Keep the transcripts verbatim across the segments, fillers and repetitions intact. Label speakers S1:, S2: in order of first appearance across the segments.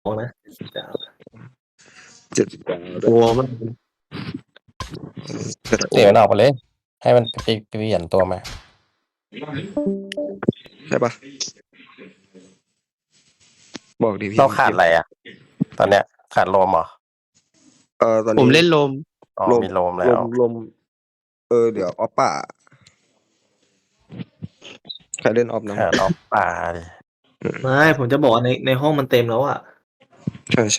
S1: นะ
S2: เจ็ดสิบเก้า
S1: กลัวมัน
S3: เดี๋ยวมันออกไปเลย ให้มันไปเปลี่ยนตัวมา
S2: ใช่ปะบอกดิพี่
S3: เราขาดอะไรอ่ะ ตอนเนี้ย ขาดโลมเหรอ
S2: เออตอนนี้
S4: ผมเล่นลม
S3: อ๋อ
S2: ลม
S3: มีโลมแล้
S2: ล
S3: ว
S2: มลมเออเดี๋ยวออฟป่าใครเล่นออฟนะ
S3: ขาดออกป่าดิ
S1: ไม่ผมจะบอกว่าในในห้องมันเต็มแล้วอ่ะ
S2: ใช่ใช่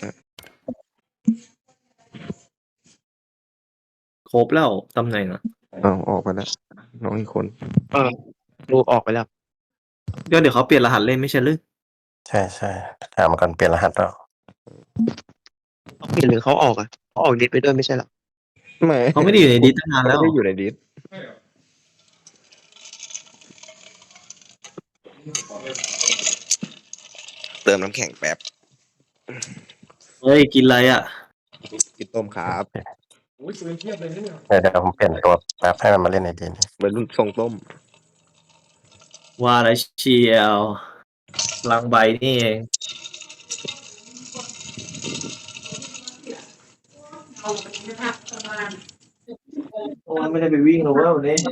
S1: ครบแล้วตำแหน่งอ่ะ
S2: เอาออกไปแล้วน้องอีกคน
S4: เออดูออกไปแล้ว
S1: ก็เดี๋ยวเขาเปลี่ยนรหัสเล่นไม่ใช่หรือ
S3: ใช่ใช่ถามมาก่อนเปลี่ยนรหัสแล้ว
S4: เขาเปลี่ยนหรือเขาออกอ่ะเขาออกดิสไปด้วยไม่ใช่หรอ
S2: ไม่
S1: เขาไม่ได้อยู่ในดิสตั้งนานแล้ว
S2: ไม่ได้อยู่ในดิสเติมน้ำแข็งแป๊บ
S1: เฮ้ยกินอะไรอ่ะ
S2: กินต้มครับ
S3: เดี๋ยวเดี๋ยวผมเปลี่ยนตัวแป๊บให้มันมาเล่นในดีนี่
S2: เป็นรุ่นทรงต้ม
S1: ว่าอะไรเชียวลังใบนี่เองโอ้ยไม่ได้ไปวิ่งหรอกว่าวันนี้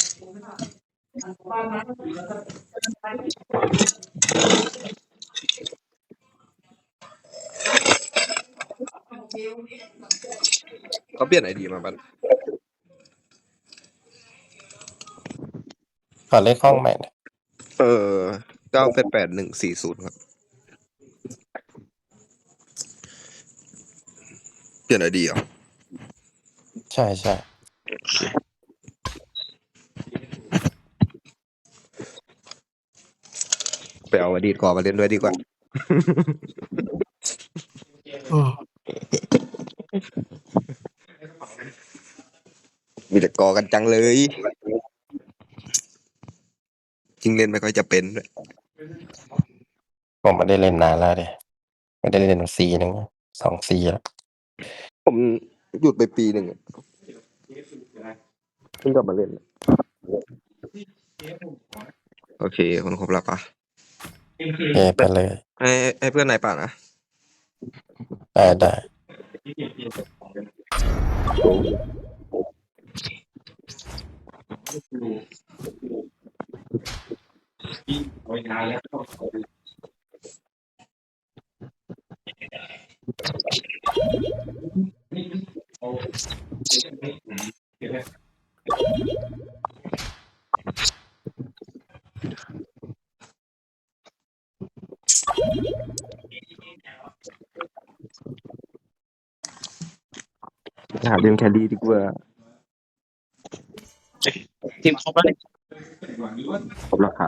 S2: เขาเปลี่ยนไอดีมาบัน
S3: ขอเลขห้องใหม่หน่อย
S2: เออเก้าแปดแปดหนึ่งสี่ศูนย์ครับเปลี่ยนไอดีเหรอ
S3: ใช่ใช่
S2: ไปเอาอดีตก่อนมาเล่นด้วยดีกว่า มีแต่กอกันจังเลยจริงเล่นไม่ค่อยจะเป็นด้วย
S3: ผมไม่ได้เล่นนานแล้วดิไม่ได้เล่นซีหนึ่งสองซีแล้ว
S2: ผมหยุดไปปีหนึ่งอะเพิ่งกลับมาเล่น โอเคคนครบแล้วปะ
S3: เอไปเลย
S2: ให้ให้เพื่อนนายป่านะ
S3: ได้ได้
S2: หาเรื่องแครี่ดีกว่า
S4: ทีมครบแล้วเนี่ย
S2: ครบราคา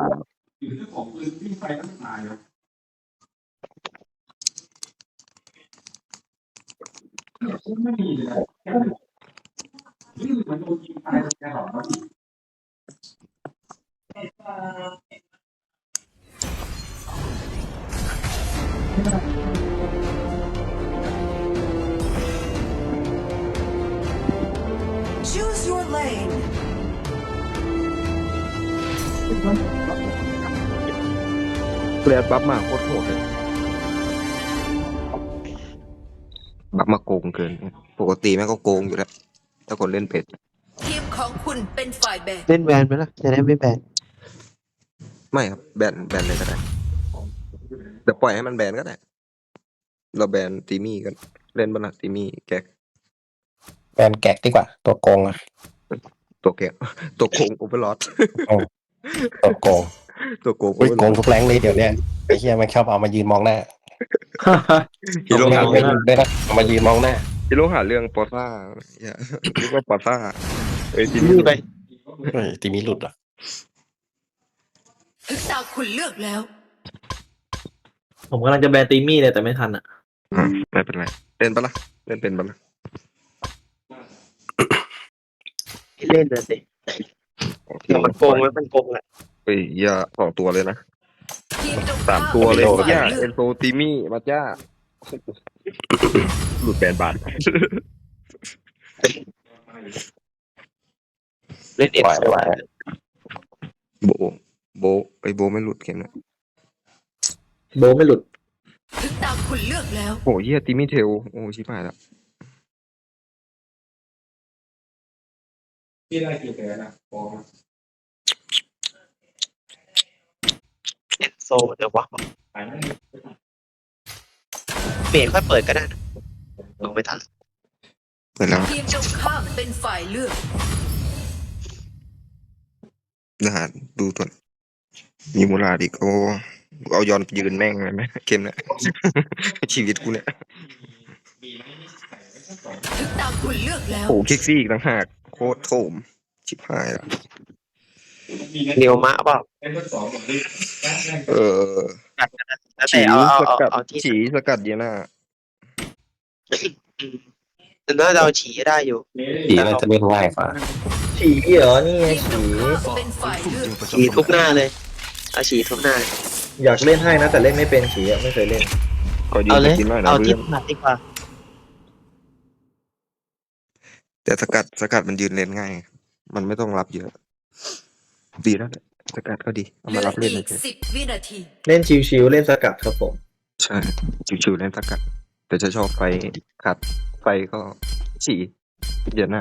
S2: เกลียดบัฟมาโคตรโหดเลยบัฟมาโกงเกิน ปกติแม่งก็โกงอยู่แล้วถ้าคนเล่นเป็ด
S5: ทีมของคุณเป็นฝ่ายแบน
S4: เล่นแวนไปแล้วจะได้ไม่แบน
S2: ไม่ครับแบนแบนเลยก็ได้เดี๋ยวปล่อยให้มันแบนก็ได้ เราแบนตีมี่กันเล่นบ้านะตีมี่แก๊ก
S3: แบนแกะดีกว่า ตัวโกงอะ
S2: ตัวแก๊กตัวโกงโอเวอร์ลอด
S3: ตัวโกง
S2: ตัวโกงโอ
S3: อุ้ย
S2: เวอร์
S3: โก
S2: ลอง ด
S3: ทุกแรงเลยเดี๋ยวเนี้ยไอ้เหี้ยมันชอบเอามายืนมองหน้า
S2: ฮีโร่
S3: ไม่
S2: หา
S3: เอาไม่ได้นะเอามายืนมองหน้า
S2: ฮีโร่หาเรื่องปอซ่าอย่าเรียกว่าปอซ่าเอ้ยทีนี้
S4: นี่ไป
S3: เฮ้ยตีมีหลุดเหรอ่ะ
S5: ถึงตาคุณเลือกแล้ว
S1: ผมกำลังจะแบนตีมี่เลยแต่ไม่ทันอ่ะ
S2: อ่ะไม่เป็นไรเล่นปะล่ะเล่นเป็นปะล่ะ
S4: เล่นเลยสิ
S2: โอเค
S4: แต่มันโกงแล้วมันโกงแหละ
S2: เฮ้ยอย่าสองตัวเลยนะ
S5: ทีมตรง
S2: สาม
S5: ข้าม
S2: ตัวเลย
S5: เป็นฝ่าย
S2: ย่า
S5: เลื
S2: เอ็
S5: อก
S2: นโซตีมี่มาจ้าหลุดแบนบาท
S4: เล่นเอ็น
S3: ไหว
S4: โซ
S3: ไหว
S2: โบโบไอยโบไม่หลุดเกมนะ
S1: โบไม่หลุด
S5: ถึงตามคุณเลือกแล้ว
S2: โอ้เฮียติมิเทลโอ้ชิบหายแล้ว
S6: พี่ได้กี่แผลนะบอกมา
S4: เอ็นโซเดี๋ยววะ
S6: หายไม่
S4: เปลี่ยนค่อยเปิดก็ได้นะลงไม่ทัน
S2: เปิดแล้ว
S5: ทีมตรงข้ามเป็นฝ่ายเลือก
S2: นะฮะดูตัวมีมูลาดอีกโอ้เอายอนยืนแม่งเลยไหมเกมเนี้ย ชีวิตกูเนี่ย
S5: ถึงตามคุณเลือกแล้ว
S2: โอ้คิกซี่อีกต่างหากโคตรโถมชิบหายแล้ว
S4: เนียวมะเปล่า
S6: ไอ้ทดสอบหมดเลย
S2: เออ
S4: แล้วแต่
S2: ฉี
S4: เอาเอา
S2: ส
S4: เอา
S2: กัด
S4: เอาที่
S2: ฉีสกัดเดียน่า
S4: แต่น่าจะเอาฉีได้อยู่
S3: สีน่าจะเล่นง่ายกว่า
S1: ฉีเหรอนี่ไง
S5: ทีมตร
S1: ฉี
S5: งข้ามเป็นฝ่ายเลือก
S4: ฉีทุกหน้าเลยเอาฉีทุกหน้า
S1: อยากเล่นให้นะแต่เล่นไม่เป็นฉีอะไม่เคยเล่น
S2: ขอยื
S4: เอา
S2: น
S4: เลย
S2: กินหน่อยนะ
S4: เอาที่
S2: เพื่อน
S4: ถนัดดีกว่า
S2: แต่สกัดสกัดมันยืนเลนง่าย มันไม่ต้องรับเยอะ ดีแล้วแหละสกัดก็ดีเอา
S5: เหลื
S2: มา
S5: อ
S2: รับเล่น
S5: อีก
S2: เฉย
S5: สิบวินาที
S1: เล่นชิวๆเล่นสกัดครับผม
S2: ๆใช่ชิวๆเล่นสกัด แต่จะชอบไฟขัดไฟก็ฉีเดียน่า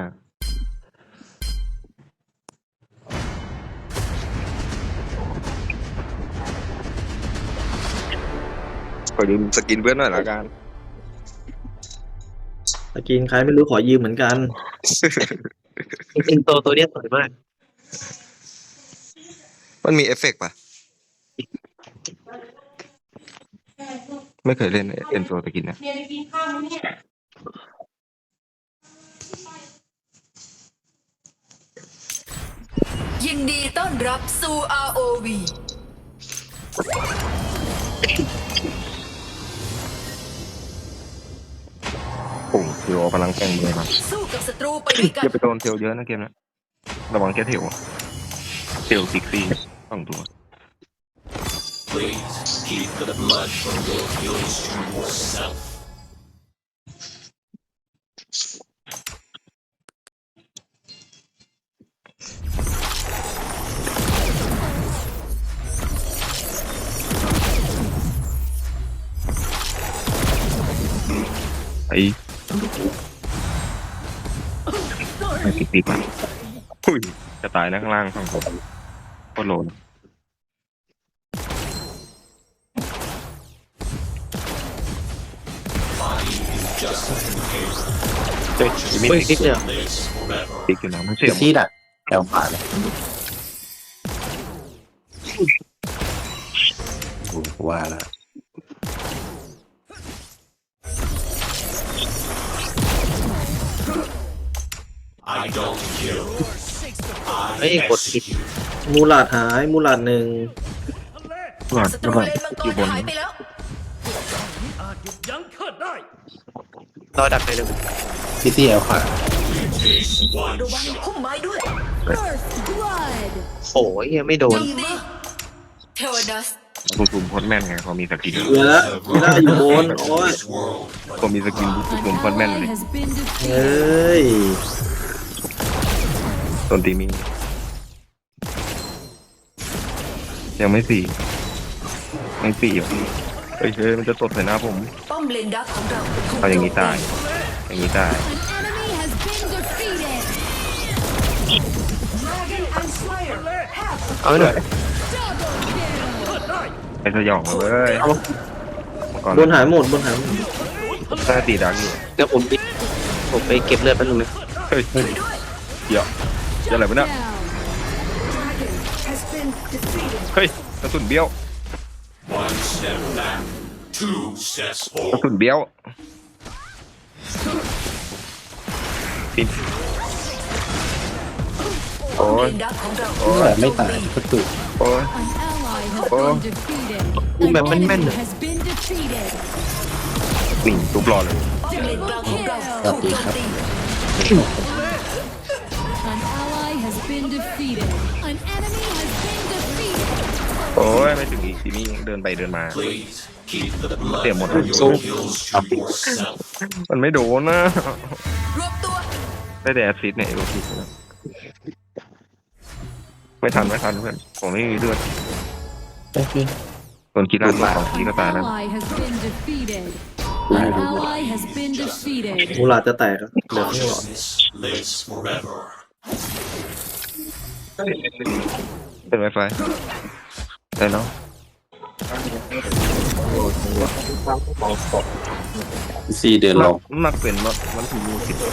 S2: ขอยืมสกินเพื่อนหน่อยละกัน
S1: สกินใครไม่รู้ขอยืมเหมือนกัน
S4: เอ็นโซตัวเนี้ยสวยมาก
S2: มันมีเอฟเฟกต์ป่ะ ไม่เคยเล่นเอ็นโซสกินนะ
S5: ยินดีต้อนรับสู่ อาร์ โอ วี
S2: โอ้โหเทลพลังแข่งมือมา
S5: สู้กับศัตรูไปด้วยกั
S2: อย่าน ไปโดนเทลเยอะนะเกมนะระวังแค่เทลอะเทลซิกซี่สองตัว ไอ้ไม่ติดติดมันอุ้ยจะตายนะข้างล่างฝั่งผมโคตรโหลนเฮ้ยมี
S4: เฮ้ยนิดเดียว
S2: ติดอยู่นะมันเสี
S3: ซี
S2: ยง
S3: ซีดักแอลขวาเลยโอ้โหว่าแล้ว
S4: เฮ้ยกดผิด
S1: มูลาดหายมูลาดหนึ่ง
S2: หลอด
S5: ศัตรู
S2: หลอด
S5: เลนมังก
S2: อยู่
S5: ร
S2: บน
S5: หายไปแล้ว
S4: รอดักไปหนึ่ง
S3: ซีซีแอลขวา
S5: ระวังพุ่มไม้ด้วย
S4: โอ้ยยังไม่โดน
S5: ยิงดิเทวดัส
S2: บูซูมโคตรแม่นไงพอมีสกิน
S1: เหลือแล้วกีฬาอยู่บนโอ้ย
S2: พอมีสกินบูซูมโคตรแม่นเลย
S1: เฮ้ย
S2: ต้นตีมียังไม่สี่ยังสี่อยู่เฮ้ยเฮ้ยมันจะตดใส่หน้าผม
S5: ป้อมเลนดักของเราถูก
S2: เอาอย่างนี้
S5: โจม
S2: ตาย อย่างนี้ตาย
S4: เอาไว้หน่อย
S2: ไอ้สยองเลยเว้ย
S4: เอา
S2: ก่อน
S1: บนหายหมดบนหายหมด
S2: หน้าตีดักอยู่
S4: เดี๋ยวผมดิผมไปเก็บเลือดแป๊บนึงนะ
S2: เฮ้ย
S5: ช่วยด้วย
S2: เดี๋ยวเดี๋ยวอะไรวะเนี่ยเฮ้ยกระสุนเบี้ยวกระสุนเบี้ยวปิดโอ้
S5: ป้อมเลย นดักของเรา
S2: โอ้ย
S3: ไม่ตายก็ตุ
S2: โอ้ย
S4: อุ้มแบบแม่นๆเลย
S2: นี่ทุบรอเลย
S5: ป้อมเลนกลางของเราถูกโจมตี
S7: An ally has been defeated. An enemy has been defeated.
S2: โอ้ยไม่ถึงอีกทีนี้เดินไปเดินมาเสียหมดเลย
S4: สู้
S2: มันไม่โดนนะ
S5: รวบตัว
S2: ได้แต่แอสซิสต์เนี่ยโอเคไม่ทันไม่ทันเพื่อนผมไม่มีเลือด
S3: เอ้ยพี่
S2: คนคิดร้านสอง
S7: An
S2: ทีก็ตายแล้ว
S7: ally has been defeated. An ally has been defeated.
S1: มูลาดจะแตกอะเหลือข้างหลอด
S6: lives forever
S2: เป็นไวไฟได้เนาะ
S3: ซีเดินลง
S2: มักเป็นมักมันถูกคิด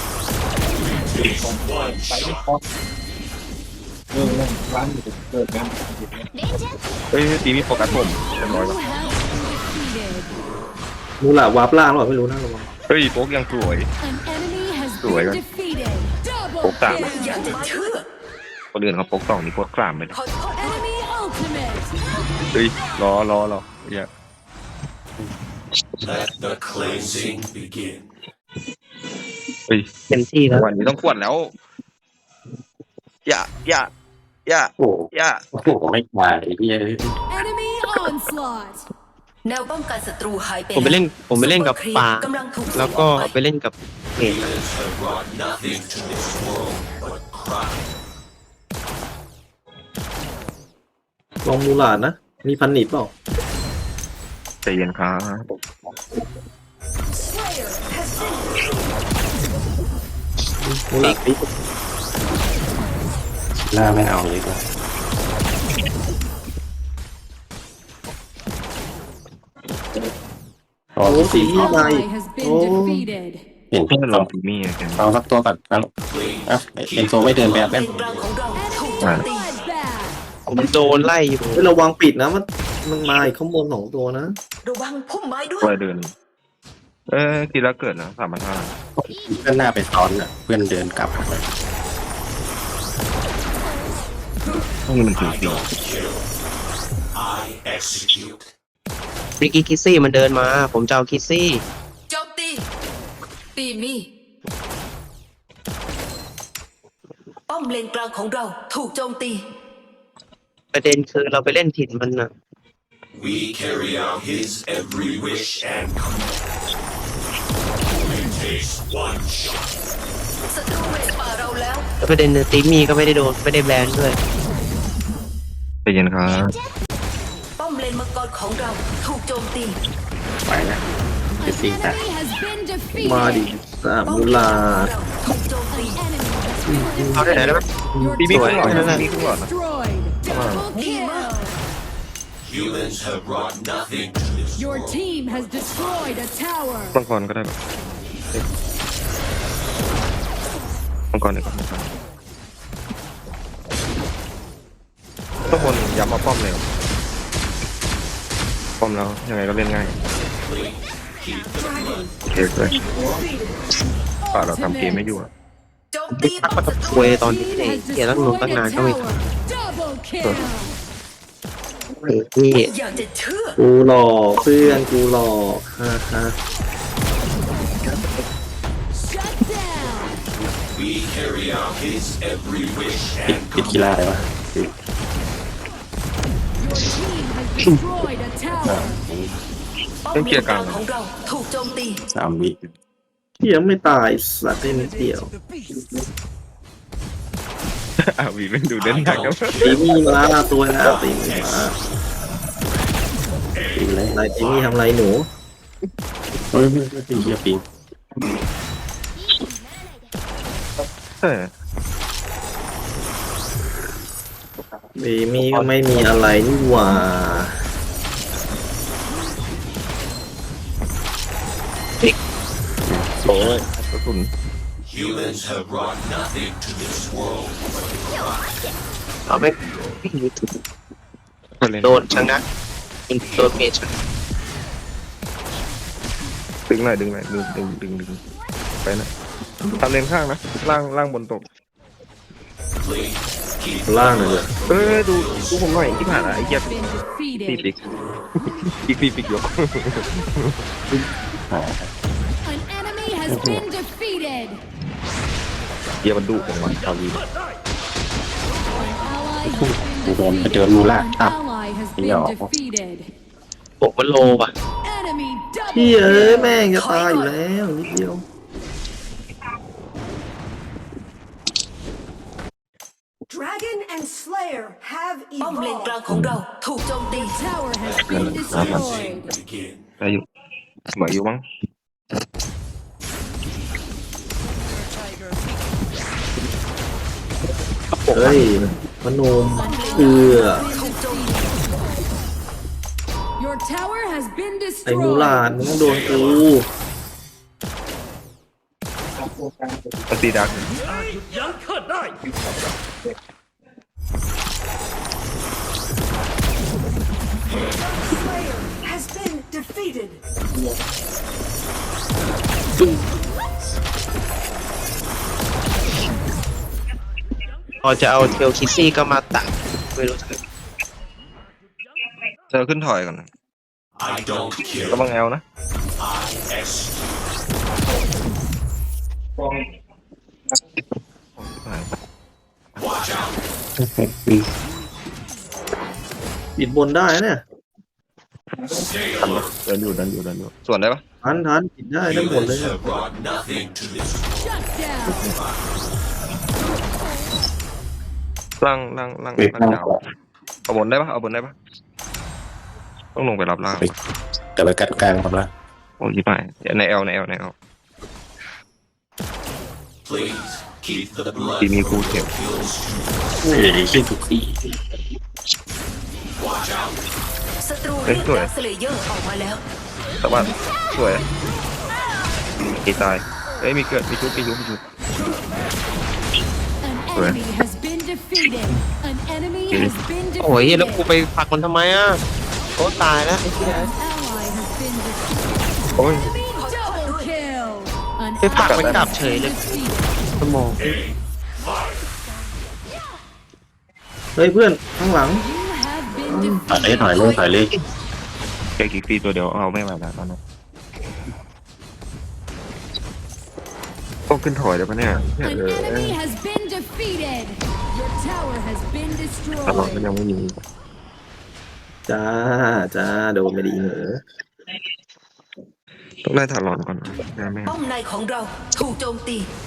S2: เฮ้ยตีมีโฟกัสผมเรียบร้อย
S7: You
S2: แล้ว
S7: have been defeated.
S1: มูลาดวาร์ปล่างหรอเปล่าไม่รู้นะระวัง
S2: เฮ้ยโป๊กยังสวย
S7: An enemy has
S2: Đuổi
S7: been
S2: rồi.
S7: defeated. Double
S2: Ủa, tạm.
S7: kill.
S5: อยากจะเชื่อ
S2: คนอื่นเขาโป๊กสองนี่โป๊กกลามไปเลย
S5: ขอโทษ
S7: Enemy ultimate.
S2: เฮ้ยรอรอรออย่า
S6: let the cleansing begin
S2: เฮ้ย
S4: เต็มที่แล้ว
S2: วันนี้ต้องขวดแล้ว อย่าอย่าอย่า
S3: โอ้โห
S2: อย่า
S3: โอ้โหไม่มาไอ้พี่
S7: Enemy onslaught.
S5: แนวป้องกันศัตรูหายไป
S4: ผมไปเล่นผมไปเล่นกับปลา
S5: กำลังถูก
S4: แล้วก็ไปเล่นกับเมจ
S6: Humans have brought nothing to this world but crime
S1: ลองมูลาดนะ มีพันหนีบเปล่า
S2: ใจเย็นครับ
S1: มูลาดปิ๊ก
S3: หน้าไม่เอาเลยก็รอ
S1: โอ้
S3: ที่
S1: สี
S3: สี่
S1: ที่มา
S7: Ally
S1: อีก
S7: has
S1: โอ้
S7: been defeated.
S3: เห็น
S2: เพื่อนลองตีมี่กัน
S3: เอาสักตัวก่อนนะอ่ะเอ็นโซไม่เดินแบบ
S5: เล
S3: นั้น
S5: นกลางของเราถูกโจมตี
S7: Bloodbath.
S4: ผมโดนไล่อยู่
S1: เฮ้ยระวังปิดนะมันมันมาอีกข้างบนสองตัวนะ
S5: ระวังพุ่มไม้ด้วย
S2: ตัวเดิน เอ้ยกีฬาเกิดนะสามพันห้า
S3: เพื่อนหน้าไปซ้อนอ่ะเพื่อนเดินกลับไป
S2: ต้องมันถึงสี่
S6: I execute
S4: ริกกี้คิสซี่มันเดินมา ผมจะเอาคิสซี่
S5: โจมตีตีมีป้อมเลนกลางของเราถูกโจมตี
S4: ประเด็นคือเราไปเล่นถิ่นมันนะ
S6: we carry out his every wish and command it takes one shot
S5: ศัตรูเวทป่าเราแล้ว
S4: แล้วประเด็นคือตีมี่ก็ไม่ได้โดนไม่ได้แบนด้วย
S2: ใจเย็นครับ
S5: ป้อมเลนมังกรของเราถูกโจมตี
S3: ไปนะ
S7: An enemy has been defeated.
S1: มาดิสาม
S5: ป้อม
S1: มู
S5: เลน
S1: ลา
S5: มังกร
S1: ด
S5: ของเราถูกโจมตี
S7: Enemy has been
S4: เอาได้ไหน
S7: defeated.
S4: ได้ไหม
S7: Your
S2: ตีมี่
S7: team
S2: ครึ่งหลอด
S7: has
S2: นะ
S7: been
S2: ตีมี่ครึ่งหลอดนะ
S7: destroyed. Double kill.
S6: humans have brought nothing to this
S7: Your
S6: world
S7: team has destroyed a tower.
S2: มังกรก็ได้แบบมังกรดีกว่ามังกรทุกคนย้ำมาป้อมเลย ป้อมแล้วยังไงก็เล่นง่ายโอเคเลยป่าเราทำเกมไม่อยู่อะ
S5: โจมตีป้อมศัตรู
S4: เวยตอน
S7: Team
S4: นี้
S7: has
S4: เกียร์ตั้งลง
S7: destroyed
S4: ตั้งนาน
S7: a
S4: ก็ไม่
S7: tower. Double kill.
S4: เฮ้ยพี่
S5: อยากจะเชื่อ
S1: กูหลอกเพื่อนกูหลอกฮ่าฮ่า
S7: Shut down.
S6: we carry out his every wish
S3: ปิด
S6: and
S3: ปิดกีฬาเลยวะ
S7: Your team has destroyed a tower.
S5: ป้อม
S2: เล่น
S5: เล
S2: เกีย
S5: น
S2: ร์
S5: ก
S2: ก
S5: ลา
S2: ลาง ง
S5: ของเราถูกโจมตี
S3: สามวิ
S1: ที่ยังไม่ตายสัตว์ได้นิดเดียว
S2: อ่ะวีเป็นดูเด่นหนักครับ
S1: ตีมี่มาตัวแล้วตีมี่มา
S3: ปิงเลย
S1: นายตีมี่ทำไรหนู
S3: เฮ้ยไม่ไม่ปิงเฮียปิง
S2: เออ
S1: ตีมี่ก็ไม่มีอะไรนี่หว่า
S2: โอ้ยกระสุน
S6: humans have brought nothing to this world
S4: เอาไม่
S2: คนเล่น
S4: โดนชนะโดนเมจชนะ
S2: ดึงหน่อยดึงหน่อยดึงดึงดึงดึงไปนะทำเลนข้างนะล่างล่างบนตก
S6: please keep
S1: ล่างหน่อยเลย
S2: เออดูดูผมหน่อยที่ผ่านอะไอ้เหี้ย
S7: Been
S2: ตี
S7: defeated.
S2: ปิกอีกตีปิกยก
S3: อ่า
S7: An enemy has been defeated.
S2: เหี้ยมันดุของมันเอาดี
S7: Ally has
S3: กูโดน
S7: been
S3: ไปเจอมูล่า
S7: defeated.
S3: อัพ
S7: Ally has
S3: ไม่ออก
S7: been defeated.
S4: โบกมันโลป่ะ
S7: Enemy
S1: พี่
S7: double
S1: เอ้ย
S7: kill.
S1: แม่งจะตายอยู่แล้วนิดเดียว
S8: Dragon and Slayer have
S5: ป้อมเลน
S8: evolved.
S5: กลางของเราถูกโจมตี
S7: Tower has been destroyed.
S6: Begin.
S2: ได้อยู่เหมือนอยู่มั้ง
S1: เฮ้ยพนมเอือ
S7: Your tower has been
S1: ไอ้มูลาด
S7: destroyed.
S1: มึงต้องโดนกู
S2: ปฏิดัก
S8: Slayer has been defeated.
S4: พอจะเอาเทลคิซี่ก็มาตัดไม่รู้จะ
S2: เธอขึ้นถอยก่อนนะ
S6: I don't
S2: ระ
S6: kill.
S2: วังแอลนะ
S6: I execute.
S2: หาย
S6: Watch out.
S1: ปิดบนได้นะเนี่ย
S6: Stay
S2: ทันปะ
S6: alert.
S2: เดินอยู่เดินอยู่เดินอยู่ส่วนได้ปะ
S1: ทันทันปิดได้ทั้งหมดเลย
S6: Humans
S1: เนี่ย
S6: have brought nothing to this world.
S7: Shut down.
S2: ล่างล่างล่าง
S3: ปิด
S2: ล่างยาวเอาบนได้ปะเอาบนได้ปะต้องลงไปรับล่าง
S3: เดี๋ยวไปกัดกลางครับละ
S2: โอ้ยไปในแอลในแอลในแอล
S6: Please keep the blood
S2: ทีมีกูเขียว
S6: kills.
S3: เฮ้ยชื่อทุกที่
S6: Watch out.
S5: ศัตรู
S2: เฮ้ย
S5: เรียก
S2: สวย
S5: ดาร์คสเลเยอร์ออกมาแล้ว
S2: แต่ว่าสวยตีตายเอ้ยมีเกิดมีชุบมีชุบมีชุบ
S7: An enemy has been defeated. An enemy has been
S4: โอ้ยแล้วกู
S7: defeated.
S4: ไปผลักมันทำไมอ่ะโอ้ตายแล้วไอ้เหี้ย
S7: An ally has been defeated.
S2: โอ้ย
S7: Double kill. An
S4: ไปผลักมัน
S7: ally
S4: กลับ
S7: has
S4: เฉย
S7: been
S4: เลย
S7: defeated.
S4: สมอง
S1: เฮ้ยเพื่อนข้างหลัง
S7: You have been
S3: ถอยเลย
S7: defeated.
S3: ถอยเลยถอยเลย
S2: แค่กิกตีตัวเดียวเอาไม่ไหวแล้วตอนนั้นต้องขึ้นถอยเดี๋ยวปะเนี่ย
S7: An enemy has been defeated. Your tower has been
S2: ตลอดมัน
S7: destroyed.
S2: ยังไม่มี
S1: จ้าจ้าโดนไม่ดีเหรอ
S2: ต้องได้ถลอนก่อนนะแม่
S5: ป้อมในของเราถูกโจมตี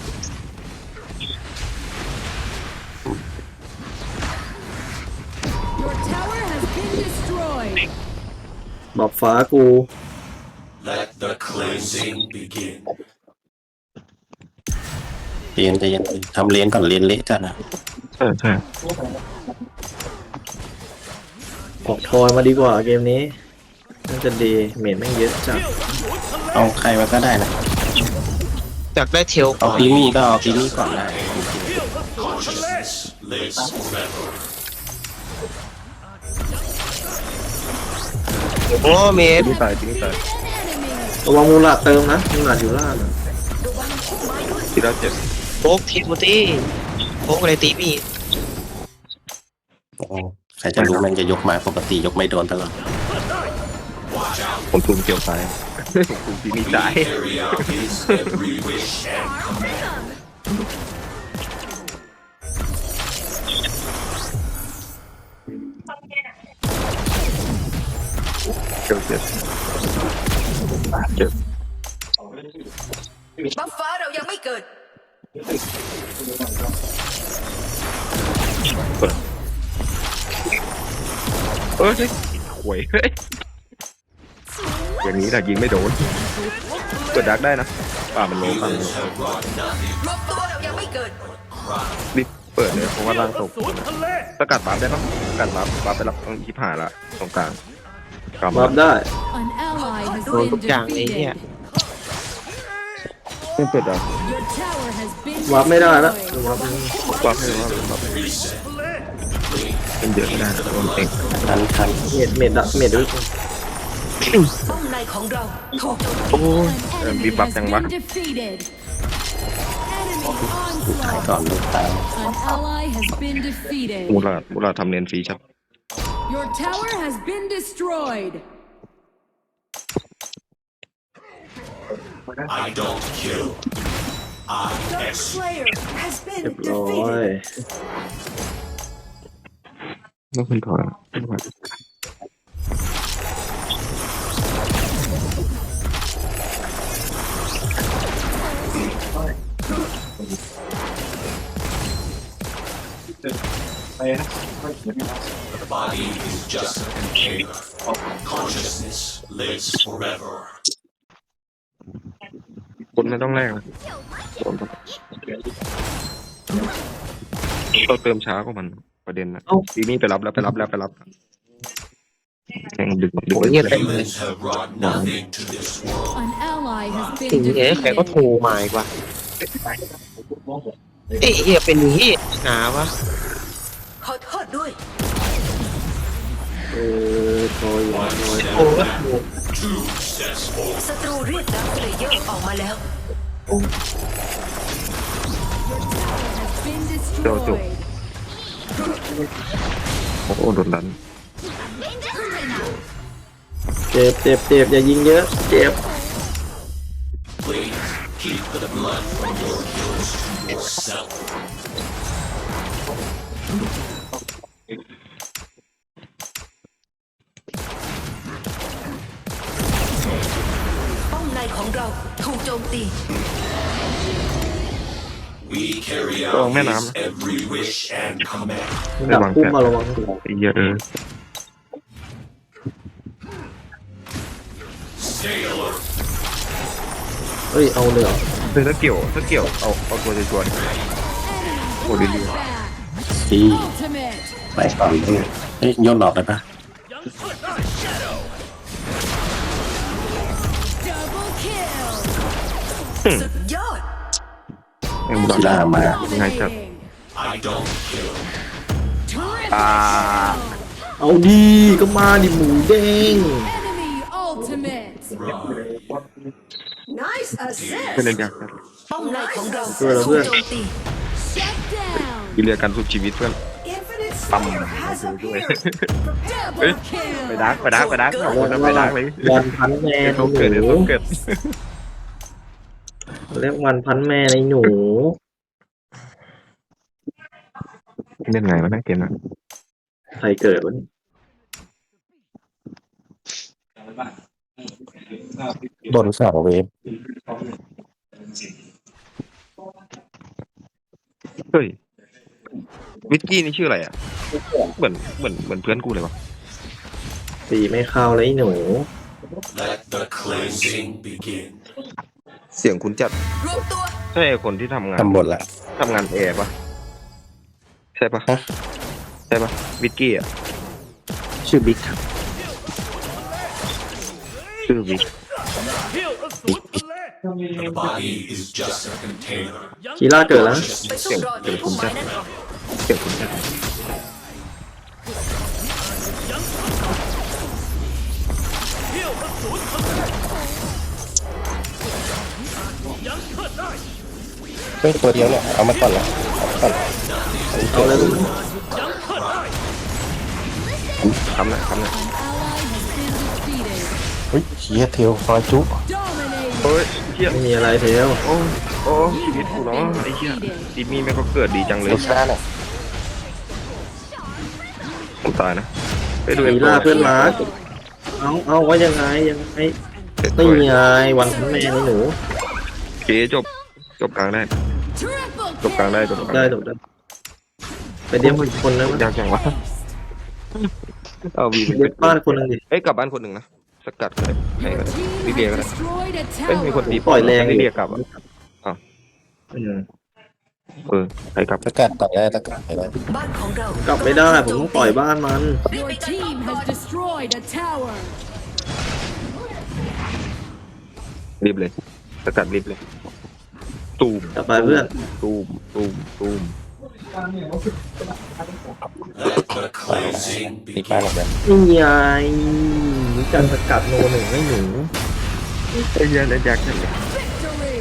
S7: Your tower has been destroyed.
S1: บอกฟ้ากู
S6: Let the cleansing begin.
S3: เรียนจะเย็นทำเรียนก่อนเรียนเละจ้ะนะ
S2: ใช่ใช่
S1: ออกทอยมาดีกว่าเกมนี้น่าจะดีเมดแม่งเยอะจัด
S3: เอาใครมาก็ได้นะ
S4: อยากได้เทล
S3: เอาพีมี่ก็เอาพีมี่ก่อนได้
S6: Consciousness lives forever.
S4: โอ้เมด
S2: ที่ตายที่ตาย
S7: An enemy.
S1: ระวังมูลาดเติมนะมูลาดอยู่ล่างอะ
S2: ที่เราเจ็บ
S4: โป๊กทีโมตี้โป๊กอะไรตีมี
S3: โอ้ใครจะรู้มันจะยกมาปกติยกไม่โดนตลอด
S6: Watch out.
S2: ผมทุ่มเกี่ยวตายผมทุ่มที่นี่ตาย
S6: Carry out his every wish and command.
S2: เกี่ยวเจ็บเจ็บ
S5: บัฟฟ้าเรายังไม่เกิด
S2: เออใช่หวยเฮ้ยอย่างนี้แต่ยิงไม่โดนเปิดดักได้นะป่ามันโลป่ามันโล
S6: Humans have brought nothing
S5: รวมตัวเรายังไม่เกิด
S2: รีบเปิดเลยเพราะว่าร่างตกสกัดบัฟได้ปะสกัดบัฟบัฟไปรับต้องยิบหายละตรงกลางกลับ
S1: วั
S2: มา
S1: บได้
S7: An ally has
S4: โดน
S7: been
S4: ทุกอย่างเลยเนี่ย
S7: defeated.
S2: ไม่เปิดดัก
S7: Your tower has been
S1: วับไม่ได้แล้ว
S7: destroyed.
S1: วับ
S2: บัฟให้ว่าบัฟให้
S6: reset.
S2: เป็นเยอะไม่ได้นะโดนเอง
S3: ทันทัน
S1: เมดเมดดักเมดด้วย
S5: ป้อมในของเราถูกโจมตี
S2: โอ้ย
S7: An
S2: เออ
S7: enemy
S2: มีบัฟ
S7: has
S2: ยังวะ
S7: been defeated. Enemy
S3: ถ่าย
S7: onslaught.
S3: ก่อนลูกตาม
S7: An ally has been
S2: มู
S7: defeated.
S2: ลามูลาทำเนียนฟรีชับ
S7: Your tower has been destroyed.
S6: I don't kill. I
S8: Dark
S6: execute.
S8: Slayer has been
S1: เรียบร้อย
S8: defeated.
S2: ต้องขึ้นถอยขึ้นถอย
S6: The body is just a container. Consciousness lives forever.
S2: คนไม่ต้องแรกนะเราเติมช้ากว่ามันประเด็นนะทีนี้ไปรับแล้วไปรับแล้วไปรับแข่งดึกดึก
S4: โอ้ยเหี้ยเต็มเลย
S6: Humans have brought nothing to this world.
S7: An ally has
S4: สิ่ง
S7: been
S4: เนี้ยใครก็
S7: defeated.
S4: โทรมาอีกว่ะเอ้ยเหี้ยเป็นเหี้ยหนาวะ
S5: ขอโทษด้วย
S1: เออโทรอยู่
S6: One
S4: โอ้
S6: step
S4: โห
S6: back, two steps forward.
S5: ศัตรูเรียกดาวเพลเยอร์ออกมาแล้ว
S7: Been destroyed.
S2: โอ้โหโดนดัน
S1: เจ็บเจ็บเจ็บอย่ายิงเยอะเจ็บ
S6: Please keep the blood from your kills to yourself.
S5: ป้อมในของเราถูกโจมตี
S6: We carry
S2: Ồ,
S6: out
S2: mẹ
S6: his
S2: làm.
S6: every wish and command.
S1: ดับพุ่มมาระวัง
S2: ไอ้เหี้ยเออ
S6: Stay alert.
S1: เฮ้ยเอาเลยเหรอ
S2: เฮ้ยถ้าเกี่ยวถ้าเกี่ยวเอาเอาตัวชัวร์ๆ
S7: Enemy
S2: Ủa, đi đi.
S7: back.
S3: ซี
S7: Ultimate.
S3: ไปก่อนเลยเฮ้ยโยนออกได้ปะ
S7: Double kill.
S5: สุดยอด
S2: แม่งบอล
S3: กีฬามา
S2: ง่ายจัด
S7: Dominating.
S6: I don't kill.
S7: Triple
S2: อ่า
S7: kill.
S1: เอาดีก็มาดิหมูเด้ง
S7: Enemy ultimate.
S6: Run.
S8: Nice assist.
S2: เป็นเรื่องยากจัด
S5: ป้อมในของเรา
S1: เพื่อน
S5: ถู
S1: เพื่
S5: ก
S1: อน
S5: โจมตี
S7: Shut down.
S2: วิเรียกันสุดชีวิตเพื่อน
S8: Infinite
S2: Băm.
S8: Slayer has appeared.
S7: Double kill.
S2: ไปดักไปดักไปดักเอาคนนั้นไปดักเลย
S1: วันพันแม่
S2: เดี๋ยว
S1: ใน
S2: เขา
S1: ห
S2: เกิดเดี๋ยว
S1: นู
S2: เขาเกิด
S1: เรียกวันพันแม่ในหนู
S2: เล่นไงวะนะเกมน่ะ
S1: ใครเกิดวะเนี่ย
S3: โดนสองเวฟ
S2: เฮ้ยวิสกี้นี่ชื่ออะไรอ่ะเหมือนเหมือนเหมือนเพื่อนกูเลยวะ
S1: ตีไม่เข้าเลยไอ้หนู
S6: Let the cleansing begin.
S2: เสียงคุณจัด
S5: รวมตัว
S2: ใช่คนที่ทำงาน
S3: ทำบทละ
S2: ทำงานแอร์ปะใช่ปะ
S3: ฮะ
S2: ใช่ปะวิสกี้อ่ะ
S4: ชื่อบิ๊กครับ
S2: ชื่อวิก
S6: The body is just a container.
S1: คีล่าเกิดแล้ว
S5: ไปสู้รอที่พุ่มไม้นั่นก่อน
S2: เสียงคุณจัด
S3: เฮ้ยตัวเดียวเนี่ยเอามาก่อนละเอามาก่อน
S1: เอาเลยลูก
S2: ทำหน่อยทำหน่อย
S7: Ally has been defeated.
S3: เฮ้ยเชียเทลฟอยจุ
S7: Dominating.
S2: เฮ้ยเหี้ย
S1: ไม่มีอะไรเทล
S2: โอ้โอ้ชีวิตกูเนาะไอ้เหี้ยทีมี่แม่งก็เกิดดีจังเลย
S3: ลูกชาเนี่ย
S2: ผมตายนะไปดู
S1: คี
S2: เอ็ม
S1: ล่าเพื่อนรักเอาเอาว่ายังไงยังไงนี่ไงวันพันแม่ในหนู
S2: เคจบจบกลางได้
S7: Triple
S2: จบกลางได้จบกลาง
S1: ได้
S2: ได้
S1: ถูกได้ไปเดียวคนนึง
S2: ยากจังวะเอาวี
S1: เดียวบ้านคนนึงดิ
S2: เอ้ยกลับบ้านคนหนึ่งนะสกัดก็ได้ให้ก็
S7: Your
S2: ได้
S7: team
S2: ลิเลีย
S7: has
S2: ก็ได้
S7: destroyed a
S2: เอ้ยมีคน
S7: tower.
S2: ตี
S1: ปล่อยแรง
S2: ลิเลียกลับอ่ะ
S1: อืม
S2: เออไปกลับ
S3: สกัดต่อได้สกัดไปได้
S5: บ้านของเรา
S1: กลับไม่ได้ผมต้องปล่อยบ้านมัน
S7: Your team has destroyed a tower.
S2: รีบเลยสกัดรีบเลยตูม
S1: กลับไปเพื่อน
S2: ตูมตูมตูม
S6: Let the cleansing
S3: ตีป้า
S6: begin.
S3: หมดเลย
S1: นี่ไงมีการสกัดโนหนึ่งให้หนู
S2: ไอ้เหี้ยเล่นยากจังเลย
S7: Victory.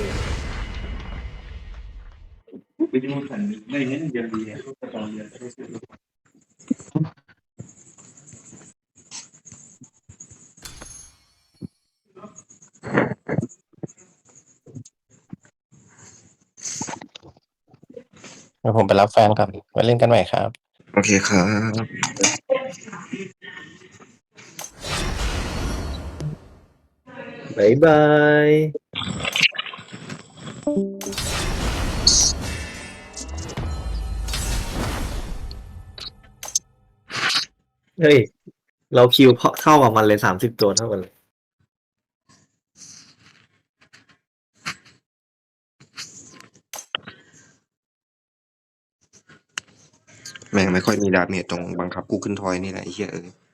S3: เดี๋ยวผมไปรับแฟนก่อนไว้เล่นกันใหม่ครับ
S2: โอเคครับ
S1: บ๊ายบายเฮ้ย เราคิวเพาะเท่ากับมันเลยสามสิบตัวเท่ากันเลย
S2: แม่งไม่ค่อยมีดาเมจตรงบังคับกูขึ้นทอยนี่แหละไอ้เหี้ยเออ